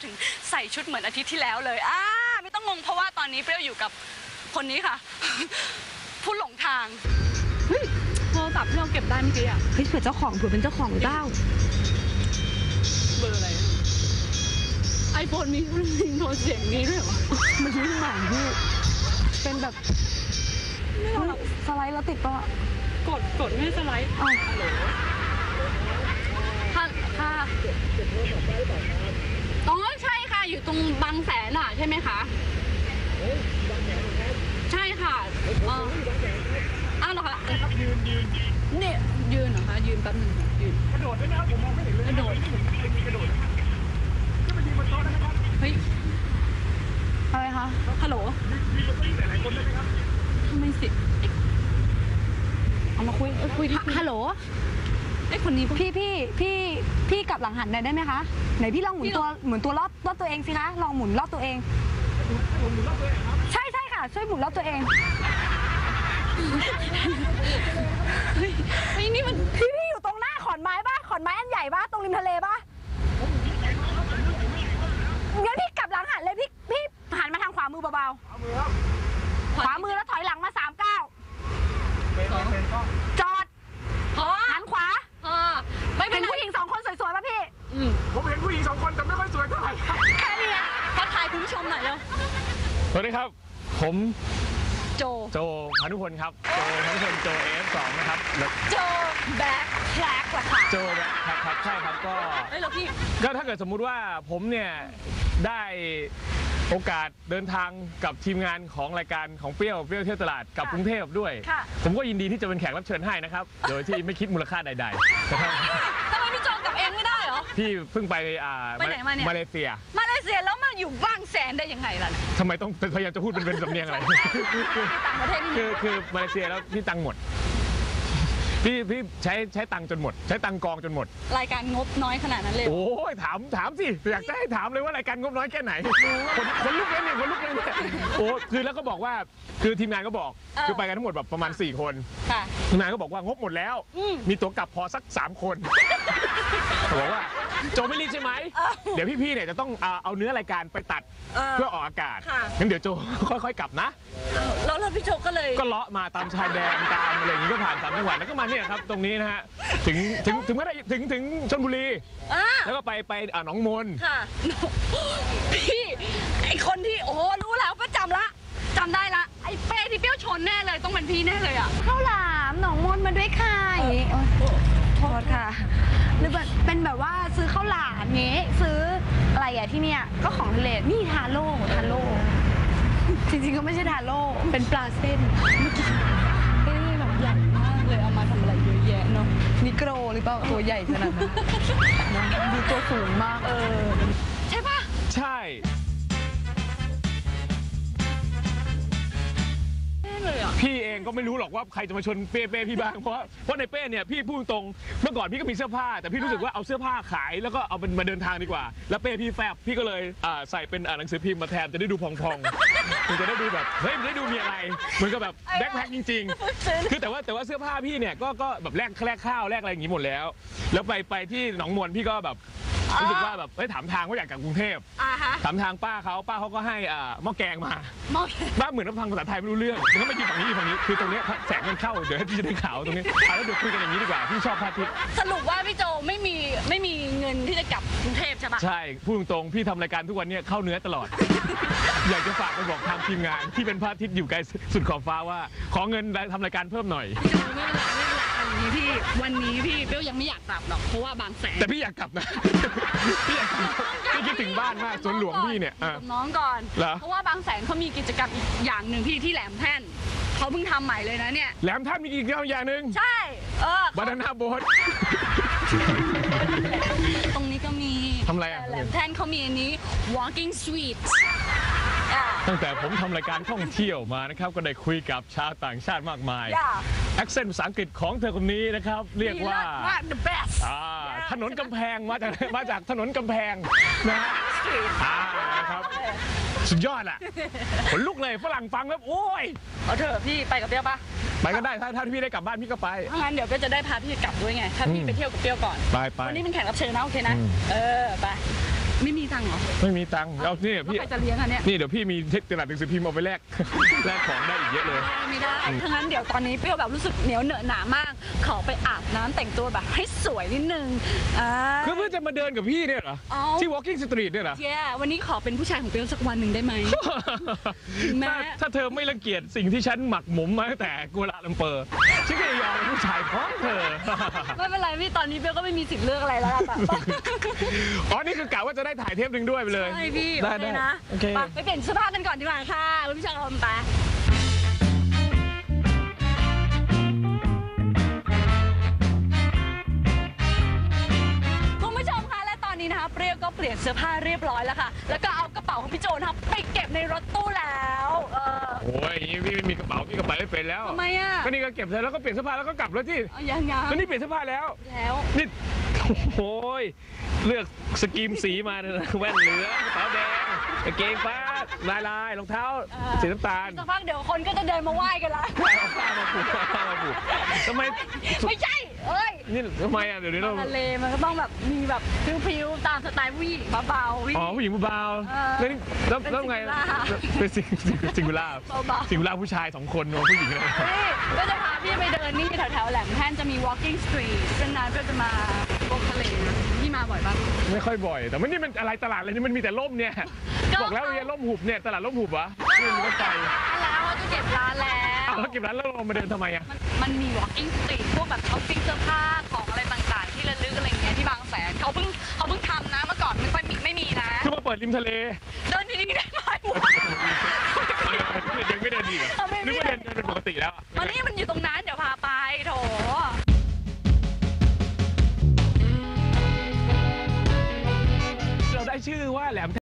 ถึงใส่ชุดเหมือนอาทิตย์ที่แล้วเลยไม่ต้องงงเพราะว่าตอนนี้เปรี้ยวอยู่กับคนนี้ค่ะ ผู้หลงทางเฮ้ยโทรศัพท์ที่เราเก็บได้เมื่อกี้เฮ้ยเผื่อเจ้าของเป็นเจ้าของหรือเปล่าเบอร์อะไรไอโฟนมีโทรเสียงนี้ด้วยเหรอมันชื่อใหม่พี่เป็นแบบสไลด์แล้วติดปะกดไม่สไลด์ฮัลโหลค่ะอ๋อใช่ค่ะอยู่ตรงบางแสนใช่ไหมคะใช่ค่ะเหรอคะยืนเนี่ยยืนเหรอคะยืนแป๊บนึงยืนกระโดดด้วยนะครับผมมองไม่เห็นเลยกระโดดมีกระโดดขึ้นมายืนบนโต๊ะได้ไหมครับเฮ้ยอะไรคะฮัลโหลมีคนที่หลายคนได้ไหมครับทำไมสิเอามาคุยดิฮัลโหลไอ้คนนี้พี่กลับหลังหันได้ไหมคะไหนพี่ลองหมุนตัวรอบตัวเองสิคะลองหมุนรอบตัวเองหมุนรอบตัวเองครับใช่ค่ะช่วยหมุนรอบตัวเองเฮ้ยนี่มันพี่อยู่ตรงหน้าขอนไม้ป่ะขอนไม้อันใหญ่ป่ะตรงริมทะเลป่ะงั้นพี่กลับหลังหันเลยพี่หันมาทางขวามือเบาๆขวามือแล้วถอยหลังมา3 ก้าวจอดหันขวาเป็นผู้หญิง2 คนสวยๆป่ะพี่ผมเห็นผู้หญิง2 คนแต่ไม่ค่อยสวยเท่าไหร่แค่นี้ขอถ่ายคุณผู้ชมหน่อยเร็วสวัสดีครับผมโจพานุพลครับโจพานุพลโจ AF2 นะครับโจแบ็คแพลกว่ะค่ะโจแบ็คแพลกครับใช่ครับก็ถ้าเกิดสมมุติว่าผมเนี่ยได้โอกาสเดินทางกับทีมงานของรายการของเปรี้ยวเที่ยวตลาดกับกรุงเทพด้วยผมก็ยินดีที่จะเป็นแขกรับเชิญให้นะครับโดยที่ไม่คิดมูลค่าใดๆนะครับทำไมพี่โจกับเองไม่ได้เหรอพี่เพิ่งไปไหนมาเนี่ยมาเลเซียแล้วมาอยู่บางแสนได้ยังไงล่ะทำไมต้องพยายามจะพูดเป็นสำเนียงอะไรต่างประเทศคือมาเลเซียแล้วพี่ตังค์หมดพี่ใช้ตังค์จนหมดใช้ตังค์กองจนหมดรายการงบน้อยขนาดนั้นเลยโอ้ยถามสิอยากจะให้ถามเลยว่ารายการงบน้อยแค่ไหนคนลุกเลยเนี่ยโอ้คือแล้วก็บอกว่าคือทีมงานก็บอกคือไปกันทั้งหมดแบบประมาณ4 คนทีมงานก็บอกว่างบหมดแล้วมีตั๋วกลับพอสัก3 คนบอกว่าโจไม่รีบใช่ไหมเดี๋ยวพี่เนี่ยจะต้องเอาเนื้อรายการไปตัดเพื่อออกอากาศงั้นเดี๋ยวโจค่อยๆกลับนะแล้วพี่โจก็เลาะมาตามชายแดนตามอะไรอย่างนี้ก็ผ่าน3 จังหวัดแล้วก็มาเนี่ยครับตรงนี้นะฮะถึงไม่ได้ถึงชลบุรีแล้วก็ไปหนองมนค่ะพี่ไอคนที่โอ้รู้แล้วก็จำได้ละไอเป้ที่เปี้ยวชนแน่เลยต้องเป็นพี่แน่เลยข้าวหลามหนองมนมาด้วยค่ะอย่างนี้โทษค่ะหรือแบบเป็นแบบว่าซื้อข้าวหลามเงี้ยซื้ออะไรที่เนี่ยก็ของทะเลนี่ทาโร่จริงๆก็ไม่ใช่ทาโร่เป็นปลาเส้นแบบใหญ่มากเลยเอามาทำอะไรเยอะแยะเนาะนิโกรหรือเปล่าตัวใหญ่ขนาดนั้นดูตัวสูงมากใช่ปะใช่พี่เองก็ไม่รู้หรอกว่าใครจะมาชนเป้พี่บ้างเพราะในเป้เนี่ยพี่พูดตรงเมื่อก่อนพี่ก็มีเสื้อผ้าแต่พี่รู้สึกว่าเอาเสื้อผ้าขายแล้วก็เอามาเดินทางดีกว่าแล้วเป้พี่แฟบพี่ก็เลยใส่เป็นหนังสือพิมพ์มาแทนจะได้ดูพองๆมันจะได้ดูแบบเฮ้ยมันได้ดูมีอะไรเหมือนกับแบบแบ็คแพ็คจริงๆคือแต่ว่าเสื้อผ้าพี่เนี่ยก็แบบแลกข้าวแลกอะไรอย่างงี้หมดแล้วไปที่หนองมนพี่ก็แบบรู้สึกว่าแบบถามทางว่าอยากกลับกรุงเทพถามทางป้าเขาก็ให้หม้อแกงมาบ้าเหมือนฟังภาษาไทยไม่รู้เรื่องมันก็ไม่ยืนฝั่งนี้คือตรงนี้แสงมันเข้าเดี๋ยวพี่จะได้ข่าวตรงนี้แล้วเดี๋ยวคุยกันอย่างนี้ดีกว่าพี่ชอบพระอาทิตย์สรุปว่าพี่โจไม่มีเงินที่จะกลับกรุงเทพใช่ปะใช่พูดตรงพี่ทำรายการทุกวันนี้เข้าเนื้อตลอดอยากจะฝากไปบอกทางทีมงานที่เป็นพระอาทิตย์อยู่ไกลสุดขอบฟ้าว่าขอเงินทำรายการเพิ่มหน่อยพี่โจไม่เป็นไรพี่วันนี้พี่เปี้ยวยังไม่อยากกลับหรอกเพราะว่าบางแสนแต่พี่อยากกลับนะพี่คิดถึงบ้านมากสวนหลวงพี่เนี่ยกับน้องก่อนเพราะว่าบางแสนเขามีกิจกรรมอีกอย่างหนึ่งพี่ที่แหลมแท่นเขาเพิ่งทำใหม่เลยนะเนี่ยแหลมแท่นมีกิจกรรมอย่างหนึ่งใช่บานาน่าโบ๊ทตรงนี้ก็มีทำอะไรแหลมแท่นเขามีอันนี้ walking street ตั้งแต่ผมทำรายการท่องเที่ยวมานะครับก็ได้คุยกับชาวต่างชาติมากมายแอคเซนต์ภาษาอังกฤษของเธอคนนี้นะครับเรียกว่า the best ถนนกำแพงมาจากถนนกำแพงนะฮะนะครับสุดยอดอ่ะขนลุกเลยฝรั่งฟังแล้วโอ้ยเอาเถอะพี่ไปกับเปรี้ยวปะไปก็ได้ถ้าพี่ได้กลับบ้านพี่ก็ไปงั้นเดี๋ยวก็จะได้พาพี่กลับด้วยไงถ้าพี่ไปเที่ยวกับเปรี้ยวก่อนไปวันนี้เป็นแขกรับเชิญนะโอเคนะไปไม่มีตังค์เหรอไม่มีตังค์เอาเนี่ยแล้วพี่ใครจะเลี้ยงอ่ะเนี่ยนี่เดี๋ยวพี่มีกระดาษหนังสือพิมพ์เอาไปแลก แลกของได้อีกเยอะเลยไม่ได้ทั้างนั้นเดี๋ยวตอนนี้เปรี้ยวแบบรู้สึกเหนียวเหนอะหนามาก ขอไปอาบน้ำแต่งตัวแบบให้สวยนิดนึงคือเพื่อจะมาเดินกับพี่เนี่ยเหรอเอาที่ walking street เนี่ยเหรอเย้วันนี้ขอเป็นผู้ชายของเปรี้ยวสักวันหนึ่งได้ไหม ถึงแม้ถ้าเธอไม่รังเกียจสิ่งที่ฉันหมักหมมมาตั้งแต่กัวลาลัมเปอร์ฉันก็จะยอมเป็นผู้ชายของเธอไม่เป็นไรพี่ตอนนี้เปรี้ยวก็ไม่มีสิทธิ์เลือกอะไรแล้วอะอ๋อ นี่คือกะว่าจะได้ถ่ายเทปหนึ่งด้วยไปเลยใช่พี่ได้โอเคได้นะโอเคไปเปลี่ยนเสื้อผ้ากันก่อนดีกว่าค่ะคุณผู้ชมไปคุณผู้ชมคะและตอนนี้นะคะเปรี้ยวก็เปลี่ยนเสื้อผ้าเรียบร้อยแล้วค่ะ แล้วก็เอากระเป๋าของพี่โจนะคะไปเก็บในรถตู้แล้วโอ้ยอย่างนี้พี่ไม่มีกระเป๋าพี่กระเป๋าไม่เป็นแล้วทำไมอ่ะก็นี่ก็เก็บเสร็จแล้วก็เปลี่ยนเสื้อผ้าแล้วก็กลับแล้วที่ยังก็นี่เปลี่ยนเสื้อผ้าแล้วแล้วนี่โอ้ยเลือกสกรีมสีมาเนี่ยนะแว่นเหลืองกระเป๋าแดงกางเกงฟ้าลายรองเท้าสีน้ำตาลสักพักเดี๋ยวคนก็จะเดินมาไหว้กันละเอาผ้ามาผูกทำไมไม่ใช่เอ้ยนี่ทำไมอ่ะเดี๋ยวนี้เราทะเลมันก็ต้องแบบมีแบบพริ้วๆตามสไตล์ผู้หญิงเบาๆพี่อ๋อผู้หญิงเบาเออแล้วนี่แล้วไงเป็นเป็นซิงคูล่าเบาๆซิงคูล่าผู้ชาย2 คนผู้หญิงอะไรนี่ก็จะพาพี่ไปเดินนี่แถวๆแหลมแท่นจะมี walking street ซึ่งนั้นก็จะมาพวกทะเลนะพี่มาบ่อยปะไม่ค่อยบ่อย แต่มันนี่มันอะไรตลาดอะไรนี่มันมีแต่ล่มเนี่ยก็บอกแล้วเนี่ยล่มหุบเนี่ยตลาดล่มหุบวะนี่มันรถไฟแล้วเขาจะเก็บร้านแล้วอ้าวแล้วเก็บร้านแล้วเรามาเดินทำไมอ่ะมันมี walking street พวกแบบช้อปปิ้งเสื้อผ้าของอะไรต่างๆ ที่ระลึกอะไรอย่างเงี้ยที่บางแสนเขาเพิ่งทำนะเมื่อก่อนไม่มีนะคือมาเปิดริมทะเลเดินที่นี่ได้ไหมหมดยังไม่เดินดีเหรอไม่นึกว่าเดินเป็นปกติแล้วอะมันนี่มันอยู่ตรงนั้นเดี๋ยวพาไปโถเราได้ชื่อว่าแหลม